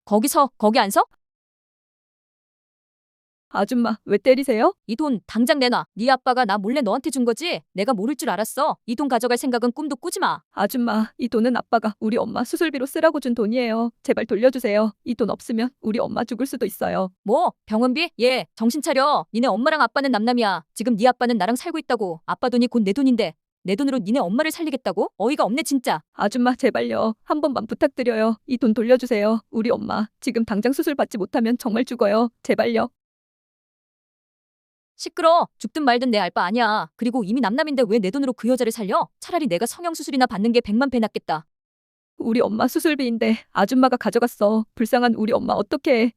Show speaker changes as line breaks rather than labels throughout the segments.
거기 안 서?
아줌마, 왜 때리세요?
이 돈 당장 내놔. 네 아빠가 나 몰래 너한테 준 거지? 내가 모를 줄 알았어. 이 돈 가져갈 생각은 꿈도 꾸지 마.
아줌마, 이 돈은 아빠가 우리 엄마 수술비로 쓰라고 준 돈이에요. 제발 돌려주세요. 이 돈 없으면 우리 엄마 죽을 수도 있어요.
뭐? 병원비? 얘 정신 차려. 니네 엄마랑 아빠는 남남이야. 지금 네 아빠는 나랑 살고 있다고. 아빠 돈이 곧 내 돈인데 내 돈으로 니네 엄마를 살리겠다고? 어이가 없네 진짜.
아줌마, 제발요. 한 번만 부탁드려요. 이 돈 돌려주세요. 우리 엄마 지금 당장 수술 받지 못하면 정말 죽어요. 제발요.
시끄러. 죽든 말든 내 알 바 아니야. 그리고 이미 남남인데 왜 내 돈으로 그 여자를 살려? 차라리 내가 성형수술이나 받는 게 100만 배 낫겠다.
우리 엄마 수술비인데 아줌마가 가져갔어. 불쌍한 우리 엄마 어떡해.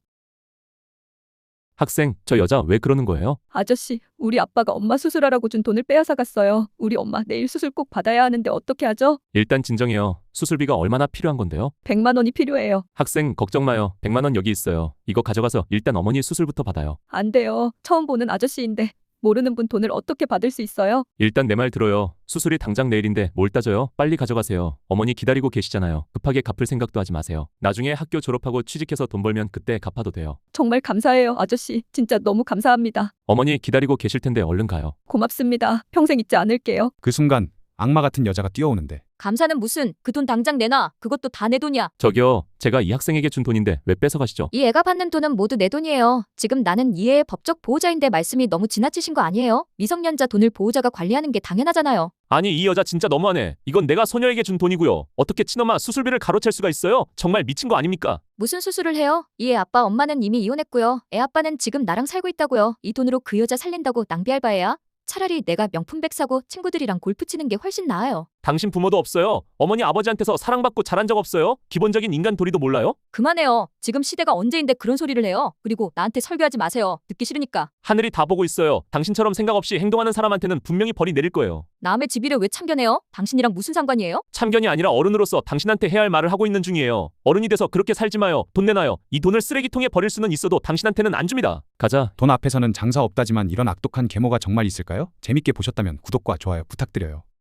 학생, 저 여자 왜 그러는 거예요?
아저씨, 우리 아빠가 엄마 수술하라고 준 돈을 빼앗아 갔어요. 우리 엄마 내일 수술 꼭 받아야 하는데 어떻게 하죠?
일단 진정해요. 수술비가 얼마나 필요한 건데요?
100만 원이 필요해요.
학생, 걱정 마요. 100만 원 여기 있어요. 이거 가져가서 일단 어머니 수술부터 받아요.
안 돼요. 처음 보는 아저씨인데 모르는 분 돈을 어떻게 받을 수 있어요?
일단 내 말 들어요. 수술이 당장 내일인데 뭘 따져요? 빨리 가져가세요. 어머니 기다리고 계시잖아요. 급하게 갚을 생각도 하지 마세요. 나중에 학교 졸업하고 취직해서 돈 벌면 그때 갚아도 돼요.
정말 감사해요, 아저씨. 진짜 너무 감사합니다.
어머니 기다리고 계실 텐데 얼른 가요.
고맙습니다. 평생 잊지 않을게요.
그 순간 악마 같은 여자가 뛰어오는데
감사는 무슨. 그 돈 당장 내놔. 그것도 다 내 돈이야.
저기요, 제가 이 학생에게 준 돈인데 왜 뺏어가시죠?
이 애가 받는 돈은 모두 내 돈이에요. 지금 나는 이 애의 법적 보호자인데 말씀이 너무 지나치신 거 아니에요? 미성년자 돈을 보호자가 관리하는 게 당연하잖아요.
아니 이 여자 진짜 너무하네. 이건 내가 소녀에게 준 돈이고요. 어떻게 친엄마 수술비를 가로챌 수가 있어요? 정말 미친 거 아닙니까?
무슨 수술을 해요? 이 애 아빠 엄마는 이미 이혼했고요. 애 아빠는 지금 나랑 살고 있다고요. 이 돈으로 그 여자 살린다고 낭비할 바에야? 차라리 내가 명품백 사고 친구들이랑 골프 치는 게 훨씬 나아요.
당신 부모도 없어요. 어머니 아버지한테서 사랑받고 자란 적 없어요? 기본적인 인간 도리도 몰라요?
그만해요. 지금 시대가 언제인데 그런 소리를 해요. 그리고 나한테 설교하지 마세요. 듣기 싫으니까.
하늘이 다 보고 있어요. 당신처럼 생각 없이 행동하는 사람한테는 분명히 벌이 내릴 거예요.
남의 집일을 왜 참견해요? 당신이랑 무슨 상관이에요?
참견이 아니라 어른으로서 당신한테 해야 할 말을 하고 있는 중이에요. 어른이 돼서 그렇게 살지 마요. 돈 내놔요. 이 돈을 쓰레기통에 버릴 수는 있어도 당신한테는 안 줍니다. 가자.
돈 앞에서는 장사 없다지만 이런 악독한 계모가 정말 있을까요? 재밌게 보셨다면 구독과 좋아요 부탁드려요.